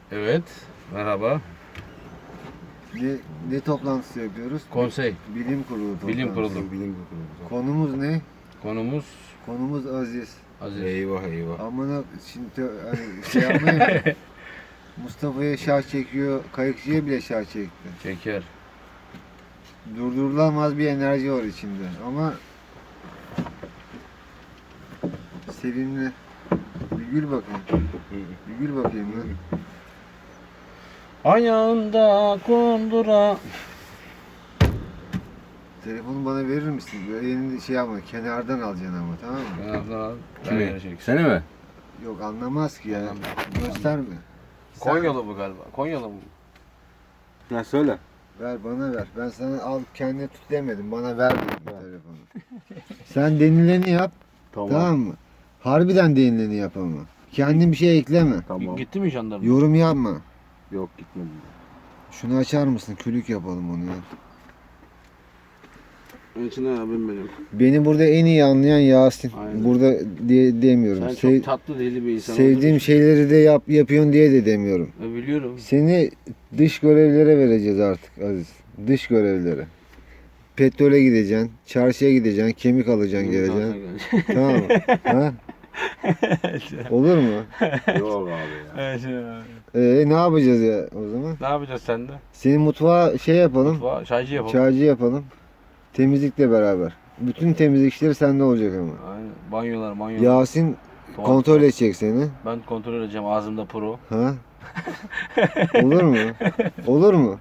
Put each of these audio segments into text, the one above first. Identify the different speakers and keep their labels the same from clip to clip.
Speaker 1: Evet. Merhaba.
Speaker 2: Ne toplantısı yapıyoruz?
Speaker 1: Konsey.
Speaker 2: Bilim kurulu toplantısı.
Speaker 1: Bilim kurulu.
Speaker 3: Bilim kurulu.
Speaker 2: Konumuz ne?
Speaker 1: Konumuz
Speaker 2: Konumuz Aziz.
Speaker 1: Aziz.
Speaker 3: Eyvah eyvah.
Speaker 2: Amına şimdi hani şey yapmayın. Mustafa'ya şah çekiyor, kayıkçıya bile şah çekti.
Speaker 1: Çeker.
Speaker 2: Durdurulamaz bir enerji var içinde ama sevimli. Bir gül bakayım. Bir gül bakayım lan.
Speaker 1: Ayağında kundura.
Speaker 2: Telefonu bana verir misin? Böyle elini şey yapma, kenardan alacaksın ama, tamam mı?
Speaker 1: Kenardan al.
Speaker 3: Kimi?
Speaker 1: Ben çek.
Speaker 3: Seni mi?
Speaker 2: Yok, anlamaz ki ya. Gösterme.
Speaker 1: Konyalı bu galiba. Konyalı mı?
Speaker 3: Ya söyle.
Speaker 2: Ver, bana ver. Ben sana al kendine tut demedim. Bana ver dedim bu telefonu. Sen denileni yap. Tamam mı? Harbiden denileni yap ama. Kendin bir şey ekleme.
Speaker 3: Tamam.
Speaker 1: Gitti mi jandarma?
Speaker 2: Yorum yapma.
Speaker 3: Yok gitmedim.
Speaker 2: Şunu açar mısın? Külük yapalım onu ya.
Speaker 3: İçine abim benim.
Speaker 2: Beni burada en iyi anlayan Yasin.
Speaker 3: Aynen.
Speaker 2: Burada demiyorum.
Speaker 1: Sen çok tatlı deli bir insan
Speaker 2: Sevdiğim
Speaker 1: olduğun
Speaker 2: şeyleri de yapıyorsun diye de demiyorum.
Speaker 1: için. Biliyorum.
Speaker 2: Seni dış görevlere vereceğiz artık Aziz. Dış görevlere. Petrole gideceksin, çarşıya gideceksin, kemik alacaksın, geleceksin. Tamam mı? Ha? Olur mu?
Speaker 3: Yok abi ya.
Speaker 2: Ne yapacağız ya o zaman?
Speaker 1: Ne yapacağız sende?
Speaker 2: Seni mutfağa şey yapalım,
Speaker 1: Çaycı yapalım.
Speaker 2: çaycı yapalım. Temizlikle beraber. Bütün temizlik işleri sende olacak ama.
Speaker 1: Aynen. Banyolar.
Speaker 2: Yasin
Speaker 1: Tuvaletler.
Speaker 2: kontrol edecek seni.
Speaker 1: Ben kontrol edeceğim ağzımda pro.
Speaker 2: Ha? Olur mu? Olur mu?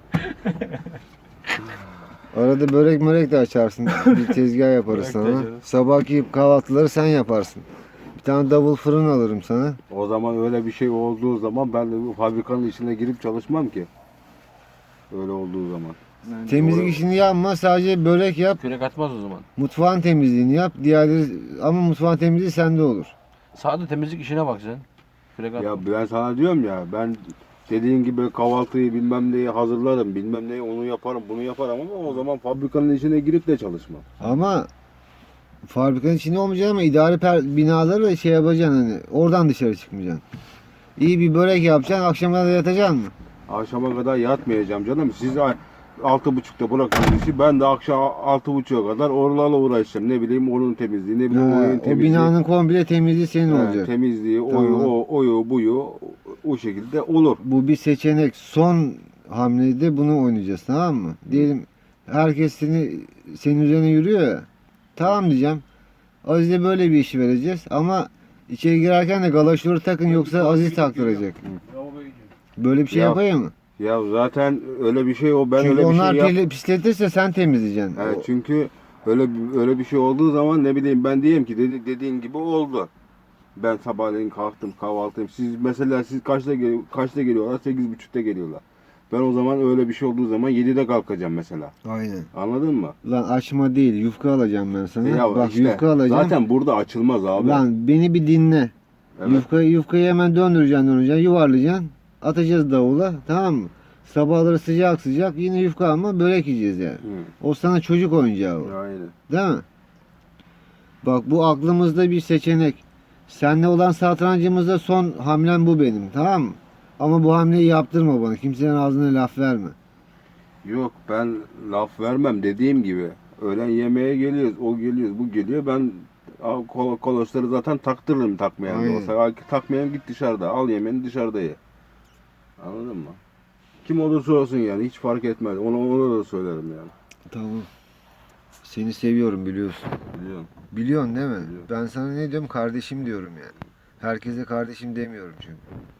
Speaker 2: Arada börek de açarsın. Bir tezgah yaparız
Speaker 1: Börek de
Speaker 2: sana.
Speaker 1: açarız.
Speaker 2: Sabahki kahvaltıları sen yaparsın. Bir tane double fırın alırım sana.
Speaker 3: O zaman öyle bir şey olduğu zaman ben de bu fabrikanın içine girip çalışmam ki. Öyle olduğu zaman.
Speaker 2: Temizlik
Speaker 3: Doğru.
Speaker 2: işini yapma, sadece börek yap.
Speaker 1: Kürek atmaz o zaman.
Speaker 2: Mutfağın temizliğini yap. Diğerleri ama mutfağın temizliği sende olur.
Speaker 1: Sadece temizlik işine bak sen. Kürek atma.
Speaker 3: Ya ben sana diyorum ya, ben dediğin gibi kahvaltıyı bilmem neyi hazırlarım, bilmem neyi onu yaparım, bunu yaparım ama o zaman fabrikanın içine girip de çalışmam.
Speaker 2: Ama fabrikanın içinde olmayacaksın ama idari binaları şey yapacaksın, hani oradan dışarı çıkmayacaksın. İyi bir börek yapacaksın, akşama da yatacaksın mı?
Speaker 3: Akşama kadar yatmayacağım canım. Siz 6.30'da bırakın işi, ben de akşam 6.30'a kadar oralarla uğraşacağım. Ne bileyim onun temizliği, ne bileyim onun
Speaker 2: O
Speaker 3: temizliği.
Speaker 2: binanın komple temizliği senin olacak.
Speaker 3: Temizliği,
Speaker 2: Tamam.
Speaker 3: oyu, buyu o şekilde olur.
Speaker 2: Bu bir seçenek. Son hamlede bunu oynayacağız, tamam mı? Diyelim herkes senin üzerine yürüyor ya. Tamam diyeceğim. Aziz'e böyle bir işi vereceğiz ama içeri girerken de galaşları takın yoksa Aziz taktıracak. Böyle bir şey
Speaker 3: Ya,
Speaker 2: yapayım mı?
Speaker 3: Ya zaten öyle bir şey o, ben
Speaker 2: Çünkü
Speaker 3: öyle bir
Speaker 2: onlar
Speaker 3: şey
Speaker 2: pisletirse sen temizleyeceksin.
Speaker 3: Evet, çünkü öyle bir şey olduğu zaman ne bileyim ben diyeyim ki dediğin gibi oldu. Ben sabahleyin kalktım, kahvaltıyım. Siz kaçta geliyorlar? 8.30'da geliyorlar. Ben o zaman öyle bir şey olduğu zaman 7'de kalkacağım mesela.
Speaker 2: Aynen.
Speaker 3: Anladın mı?
Speaker 2: Lan açma değil, yufka alacağım ben sana.
Speaker 3: Ya
Speaker 2: Bak
Speaker 3: işte,
Speaker 2: yufka alacağım.
Speaker 3: zaten burada açılmaz abi.
Speaker 2: Lan beni bir dinle.
Speaker 3: Evet.
Speaker 2: Yufkayı hemen döndüreceksin, yuvarlayacaksın. Atacağız davula, tamam mı? Sabahları sıcak yine yufka alma, börek yiyeceğiz yani.
Speaker 3: Hı.
Speaker 2: O sana çocuk oyuncağı o.
Speaker 3: Aynen.
Speaker 2: Değil mi? Bak bu aklımızda bir seçenek. Seninle olan satrancımızda son hamlem bu benim, tamam mı? Ama bu hamleyi yaptırma bana. Kimsenin ağzına laf verme.
Speaker 3: Yok, ben laf vermem dediğim gibi. Öğlen yemeğe geliyoruz, o geliyor, bu geliyor. Ben kolosları zaten taktırırım takmayan da
Speaker 2: Aynen.
Speaker 3: olsa. Takmayan git dışarıda, al yemeğini dışarıda ye. Anladın mı? Kim olursa olsun yani, hiç fark etmez. Ona da söylerim yani.
Speaker 2: Tamam. Seni seviyorum, biliyorsun.
Speaker 3: Biliyorum.
Speaker 2: Biliyorsun değil mi?
Speaker 3: Biliyorum.
Speaker 2: Ben sana ne diyorum? Kardeşim diyorum yani. Herkese kardeşim demiyorum çünkü.